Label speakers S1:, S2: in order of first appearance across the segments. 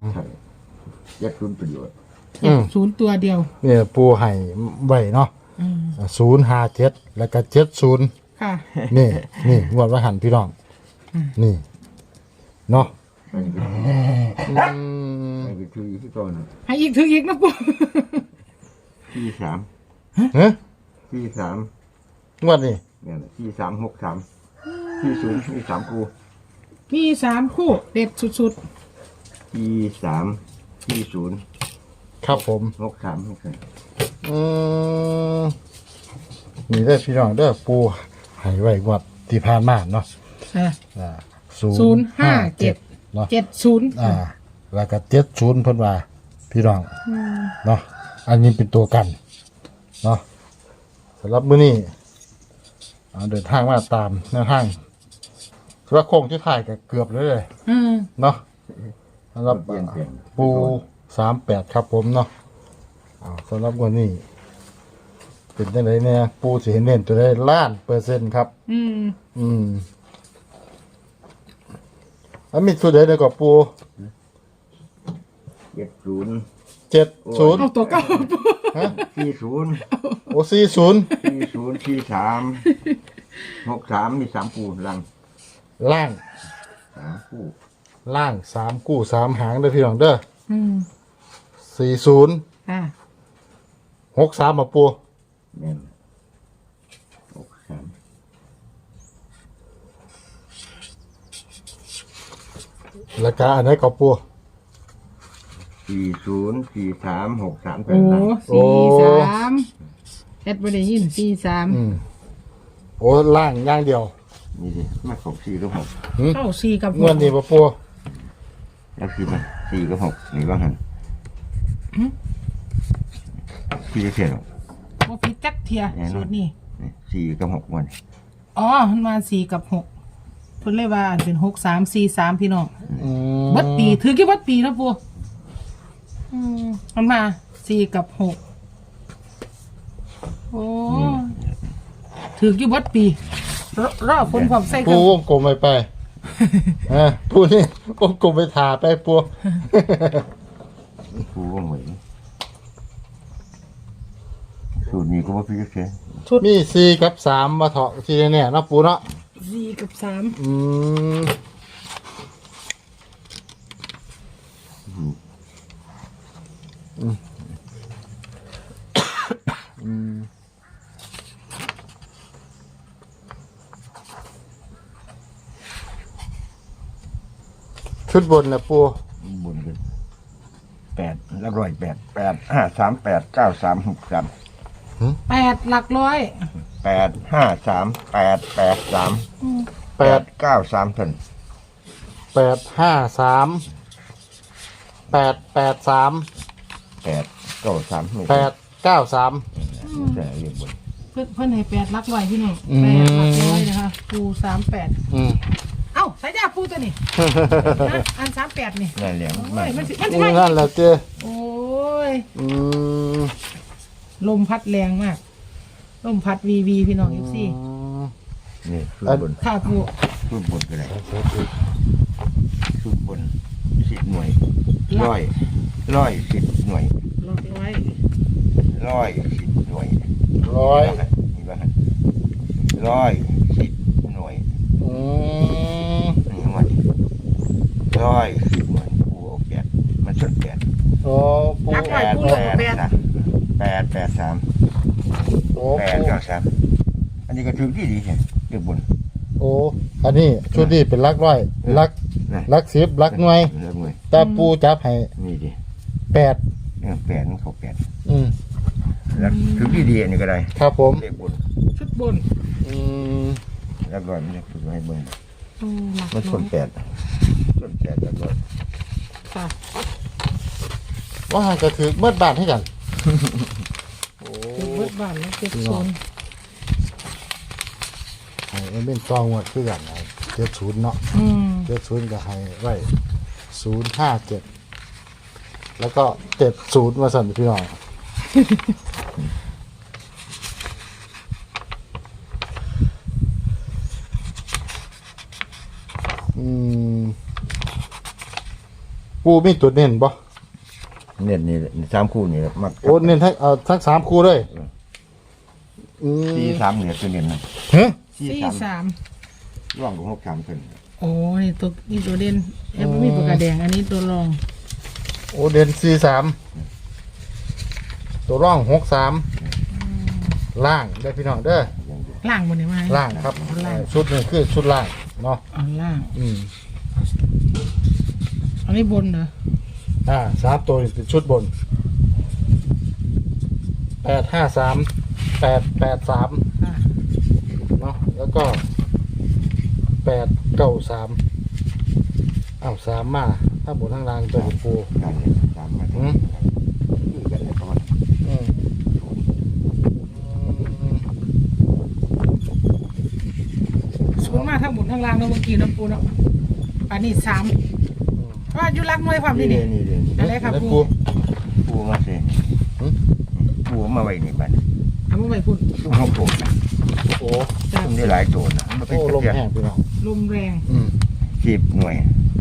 S1: ใช่ยัดทุนประโยชน์
S2: 70ตัวเดียว
S3: เนี่ยปูให้ไว้เนาะ057แล้วก็70
S2: ค่ะ
S3: นี่งวดว่าหันพี่น้องนี่เนาะ
S1: อันนี้ก็อันนี้คือที่ต้น
S2: ให้อีกถึงอีกนะปู่
S1: ที่สาม
S3: ฮะ
S1: ที่สาม
S3: งวดนี่
S1: เนี่ยที่363ที่0ที่3กู
S2: มี3คู่เด็ดสุด
S1: ที่3ที่0
S3: ครับผม
S1: 63ไม่ใช่
S3: นี่ได้อพี่น้องเด้อปูให้ไว้งวดที่ผ่านมาเนาะ
S2: ๆค่ะ
S3: 057เนาะ
S2: 70
S3: แล้วก็70เพิ่นว่าพี่น้องเนาะอันนี้เป็นตัวกันเนาะสำหรับมื้อนี้เดินทางมาตามแนวทางสำหรับโค้งที่ถ่ายก็เกือบเลย เนาะสำหรับ
S1: เปลี่ยนแปลง
S3: ปู38ครับผมเนาะสำหรับวันนี้เป็นจังไดเนี่ยปูสิเห็นเน้นตัวได้1,000,000%ครับอันมีตัวใดได้ก็ปู
S1: 70
S3: 70
S2: เอาตัวเก่าปู่
S3: ฮะ
S1: ที่0
S3: โอ้40
S1: ที่0ที่3 63มี3กูลัง
S3: ล่าง
S1: 3กู
S3: ล่าง3กู้3หางเด้อพี่น้องเด้อ40
S2: ค่ะ
S3: 63มาปู
S1: แม่น63
S3: แล้วก็อันไหนก็ปู
S1: 40 43 63เป็
S2: โอ้
S1: นลัง
S2: 43แอดบ่ได้ยิน43
S3: โอ้ล่างอย่างเดียว
S1: นี่ดิมาของ4กับ6
S2: เข้า4กับ
S3: งวดนี้บ่ปู
S1: แล้วคือมัน4กับ6นี่ว่าหั่นที่จะเขียน
S2: บ่ผิดจักเทียสูตรนี้
S1: นี่4กับ6มัน
S2: อ๋อมันมา4กับ6เพิ่นเลยว่าอันเป็น6343พี่น้องบัดปีถือกี่บัดปีนะปู่มันมา4กับ6โอ้ถือกี่บัดปีรอคนพร้อมใส่กั
S3: ปู
S2: น
S3: วงกลมไปปูนี่วงกลมไปถ่าไปปู
S1: กูก็เหมือนสูตรนี้ก็ว่าพี่จะเขียน
S3: มี4กับ3มาเถาะทีเนี่ยเนาะปูเนาะ
S2: 4กับ3
S3: ชุดบนนะปู
S1: บุญกัน8แล้ว108 8 5 3 8 9 3 6 3
S2: 8หลักร้อย
S1: 8 5 3 8 8 3 8 9 3ท่าน
S3: 853 883
S1: 8 9 3ไม่
S3: 893
S1: ใช่เรียกบุญ
S2: เพิ่นให้8หลักร้อยพี่น้อง8หลักร้อยนะคะปู38เอ้าใส่ยาปูตัวนี้อัน38นี่
S1: นั่นแหละ
S2: โอ้
S1: มาย
S2: มันสิ
S3: นั่นแหละเจ้
S2: โอ้ย
S3: ม
S2: ลมพัดแรงมาก ลมพัดวีพี่น้องFC
S1: นี่สูตรบุญ
S2: ค่ะปู
S1: สูตรบุญก็ได้สูตรบุญ10 หน่วยร้อย10 หน่วย
S2: หลักร้อย
S1: 110 หน่วย
S3: 100
S1: นี่ว่าหั่น110 หน่วย นี่มัน110 หน่วยกูเอา8มันชุด8
S3: โอ้ปู
S2: หลักร้อยปูลง8
S1: 8 3
S3: โอ้
S1: 8 9 3อันนี้ก็ถือที่ดีใช่เรียกบุญ
S3: โอ้อันนี้ชุดนี้เป็นลักร้อยลัก
S1: นะ
S3: ลัก10ลักหน่วย
S1: เรียกหน่วย
S3: แต่ปูจับให้
S1: นี่ดิ
S3: 8
S1: 8มันเขา8แล้วถือที่ดีอันนี้ก็ได้
S3: ครับผม
S1: เรียกบุญ
S2: ชุดบน
S1: แล้วก็มันจะถือให้เบิ่ง
S2: โอ้หลัก
S1: มัน
S2: ร้
S1: ส่
S2: อ
S1: วน
S2: ย
S1: 8ส่วน8แล้วก็
S2: ค่ะ
S3: ว่าหางกระถือเมื่อบ้านให้กัน
S2: ถือเบิดบ้านแล้ว7โซน
S3: ให้เป็นตองวดคือกันไอ้70เนาะ70ก็ให้ไว้057แล้วก็70มาสั่นพี่น้องปูปูมีตัวเน้นบ่
S1: เน้นนี่สามคู่นี่มัก
S3: โอ้เน้นทั้งสามคู่เลย
S1: สี่สามเนี่ยตัวเน้นนะ
S3: ฮะ
S2: สี่สาม
S1: ร่องของหกสามเพิ่น
S2: โอ้นี่ตัวเด่นแอปมีปากกาแดงอันนี้ตัวรอง
S3: โอ้เด่น43ตัวร่อง63ล่างได้อพี่น้องเด้อ
S2: ล่างบนนี้มา
S3: ล่างครับ
S2: ล่าง
S3: ชุดนี้คือชุดล่างเนาะ
S2: อ๋อล่าง อันนี้บนเหรอ
S3: 3ตัวนี่เป็นชุดบน853 883
S2: อ่า
S3: เนาะแล้วก็8933มาถ้าบนทั้งล่างตัวปู
S1: กันเนี่ยสามมาคือกันเนี่ยประมาณ
S2: ศูนย์มาทั้งบนทั้งล่างเนาะเมื่อกี้เนาะปูเนาะอันนี้สามว่าอยู่รักน้อยความ
S1: นี่
S2: นี่
S1: เด้
S2: นี่
S1: นี่เด้
S2: อะไรครับ
S3: แล้ว
S2: ปู
S1: ปูมาสิปูมาไว้นี่บัด
S2: เอามาไว้พุ่น
S1: ซุ่มหกตัวนะ
S3: โอ้
S2: จ้ะ
S1: ซุ่มได้หลายตัวนะมันเป็น
S3: โอ้ลม
S1: เพียง
S3: แห้งพี่น้อง
S2: ลมแรง
S1: 10 หน่วย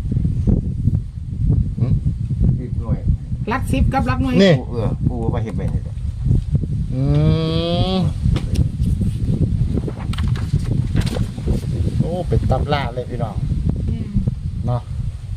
S1: 10 หน่วย
S2: รักซิปกับรักน้อย
S3: นี่
S1: ปูมาเฮ็ดไว้นี่แหละ
S3: โอ้เป็นตำราเลยพี่น้อง
S2: อืม
S3: เนาะ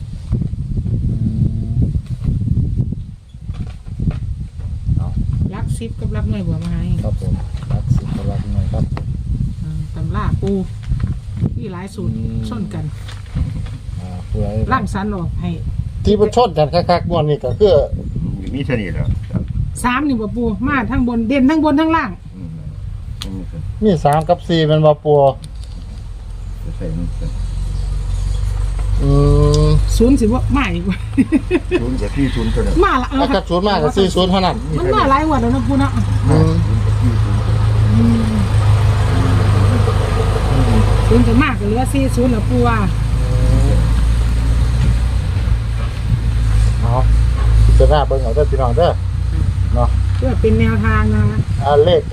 S3: เอา
S2: รักซิปกับรักน้อยบัวมาให้
S3: ครับผมรักสิบรักหน่อยครับ
S2: ตำล่าปูที่หลายสูตรส้นกัน
S3: เพื่อ
S2: ร่างสันหรอกให้
S3: ที่มันชนกันคักๆม่วนนี่ก็คือ
S1: มีเท่านี้แหล้ว
S2: สามนี่บ่ปูมาทั้งบนเด่นทั้งบนทั้งล่าง
S3: มี3กับ4มันบ่ปัว
S1: จะใส่มัน
S2: ศูนย์สิว่ามาอีกว่า
S1: ศูนย์จะที่ศูนย์ตัวนึง
S2: มาละ
S3: แล้วก็ศูนย์มากกับ40เท่านั้น
S2: มันมาหลายวันแล้วนะปูเนาะศูนย์จะมากก็เหลือ40แล้วปูว่า
S3: เอาจะหน้าเบิ่งเอาเด้อพี่น้องเด้อเนาะ
S2: เพื่อเป็นแนวทางนะ
S3: เลข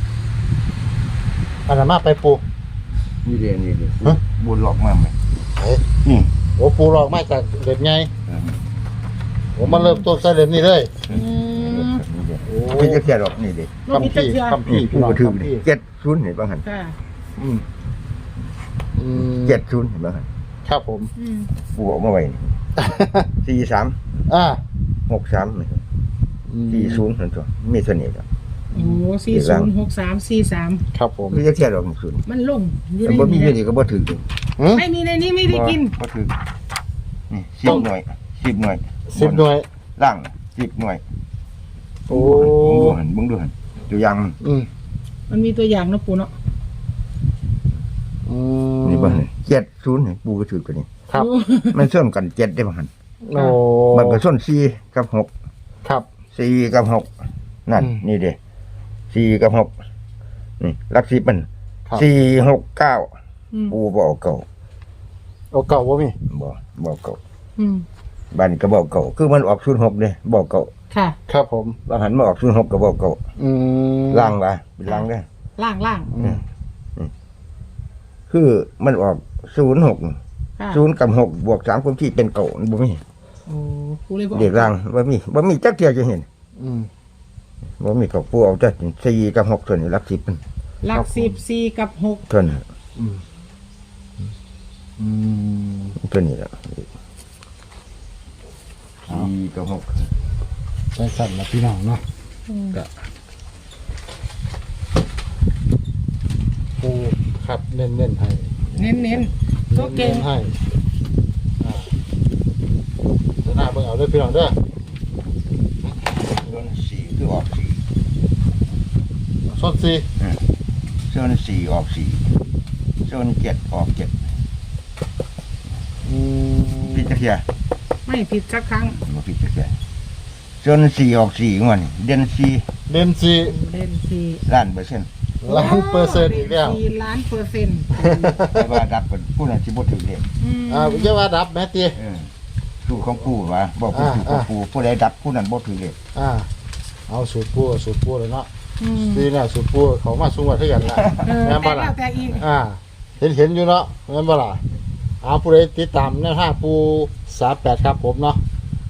S3: อันนั้นมาไปปู
S1: นี่เด้นี่เด้บุญหลอกมาไหม
S3: เฮ้ย
S1: นี่
S3: โอ้ปูหลอกมาจากเล่มใหญ่ผมมาเริ่มต้นใส่เล่มนี้เลย โอ้
S1: พี่จะแค่หรอกนี่เด้
S2: โลกมีตะเกียบ
S3: คำพี่
S1: ปู
S3: พี่น้อง
S1: ถือ
S3: คำพี่
S1: 70เห็นบ้างหัน
S2: ค่ะ
S3: อืม
S1: 70เห็นบ้างหัน
S3: ครับผม
S1: ปูออกมาไว้นี่43
S3: อ่า
S1: 63นี่40นั่นตัวมีเท่านี้ครับ
S2: โอ้406343
S3: ครับผม
S1: พี่จะแค่หรอกนี่ศูนย์
S2: มันลงอยู่
S1: แต่
S2: ใน
S1: บ่มีอยู่
S2: นี้
S1: นี่ก็บ่ถือ
S2: ไม่มีในนี้ไม่ได้กิน
S1: บ่ถือนี่10 หน่วย10 หน่วย
S3: 10หน่วย
S1: ล่าง10 หน่วย
S3: โอ้
S1: มึงดูหันตัวอย่างมัน
S3: อืม
S2: มันมีตัวอย่างนะปูเนาะ
S1: นี่บ้าน70นี่ปูก็ถือตัวนี้
S3: ครับ
S1: มันส่วนกัน7ได้บ้าน
S3: โอ้
S1: มันก็ส่วน4กับ6
S3: ครับ
S1: 4กับ6นั่น
S3: อืม
S1: นี่เด้4กับ6นี่หลัก10มัน
S3: ครับ
S1: 4 6 9
S2: อืม
S1: ปูบ่เอาเก่า
S3: เอาเก่าบ่มี
S1: บ่เอาเก่า
S2: อืม
S1: บ้านก็บ่เอาเก่าคือมันออก06เด้บ่เอาเก่า
S2: ค่ะ
S3: ครับผม
S1: บางหันมาออก06ก็บ่เอาเก่า ล่างว่าเป็นล่างเด้อ
S2: ล่าง
S1: คือมันออก06
S2: ค่ะ
S1: 0กับ6บวก3คนที่เป็นเก่าบ่มี
S2: โอ้ปูเลยบอก
S1: เด็กล่างบ่มีจักเที่ยจะเห็น
S3: อืม
S1: บ่มีกับปูเอาแต่4กับ6ส่วนนี้หลัก10มัน
S2: หลัก14กับ6
S1: ส่วนนี้
S3: อืม
S1: ส่วนนี้แหละ4กับ6
S3: ใช่สั่นนะพี่น้องเนาะก็ปูครับเน้นๆให้
S2: เน้นๆตัวเก่ง
S3: น้นๆให้จะหน้าเบิ่งเอาเด้อพี่น้องเด้อ
S1: ส่วน4คือออก4
S3: สดสิ
S1: ส่วน4ออก4ส่วน7ออก7พี่จักเที่ย
S2: ไม่ผิดสักครั้ง
S1: บ่พี่จักเที่ยส่วน4ออก4งวดนี่เด่น
S3: เด่นสิ
S2: เล่นสี่
S1: 4ล้านเปอร์เซ็นต์
S3: ล้านเปอร์เซ็นต์อีกแล้ว
S2: 4ล้านเปอร์เซ็นต์
S1: แต่ว่าดับเป็นผู้นั้นสิบ่ถือเลข
S3: อย่าว่าดับแม่ตี
S1: สูตรของปู่ว่าบอกเป็นสูตรของปู่ผู้ใดดับผู้นั้นบ่ถือเลข
S3: เอาสูตรปูเลยเนาะดีเนี่ยสูตรปูเขามาสูงกว่าเท่ากันละ แม่นบ่
S2: แต่
S3: ล่ะ
S2: แล้วแต่อีก
S3: เห็นอยู่เนาะแม่นบ่ล่ะเอาผู้ใดติดตามแนวทางปู38ครับผมเนาะ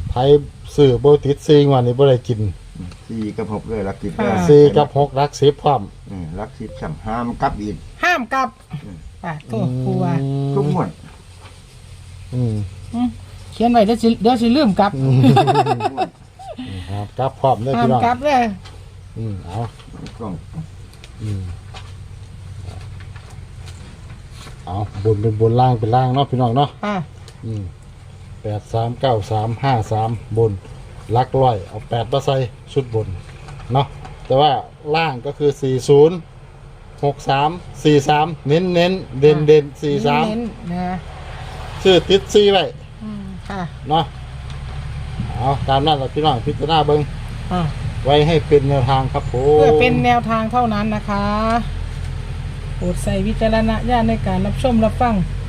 S3: ไทยซื้อโบติดซีงวันนี้บ่ได้กิน
S1: 4กับ6เลยรักสิบ
S3: 4กับ6รัก10พร้อม
S1: รักสิบสั่งห้ามกลับอีก
S2: ห้ามกลับป่ะโทษปูว่า
S1: ทุกหมด
S3: อืม
S2: เขียนไว้เดี๋ยวสิลืมกลับ
S3: ครับกลับพร้อมเด้อ
S2: ห้าม
S3: พี่น้อง
S2: กลับเลย
S3: เอา
S1: กล้อง
S3: เอาบนเป็นบนล่างเป็นล่างเนาะพี่น้องเนาะ
S2: อ่ะ
S3: 839353บนลักร้อยเอา8มาใส่ชุดบนเนาะแต่ว่าล่างก็คือ406343เน้นเน้นเด่นเด่น
S2: เน้นๆนะ
S3: 43ชื่อติด4ไว้
S2: ค่ะ
S3: เนาะเอาตามนั้นแหละพี่น้องพิจารณาเบิ่ง
S2: อ่ะ
S3: ไว้ให้เป็นแนวทางครับผม
S2: เพื่อเป็นแนวทางเท่านั้นนะคะโปรดใส่วิจารณญาณในการรับชมรับฟัง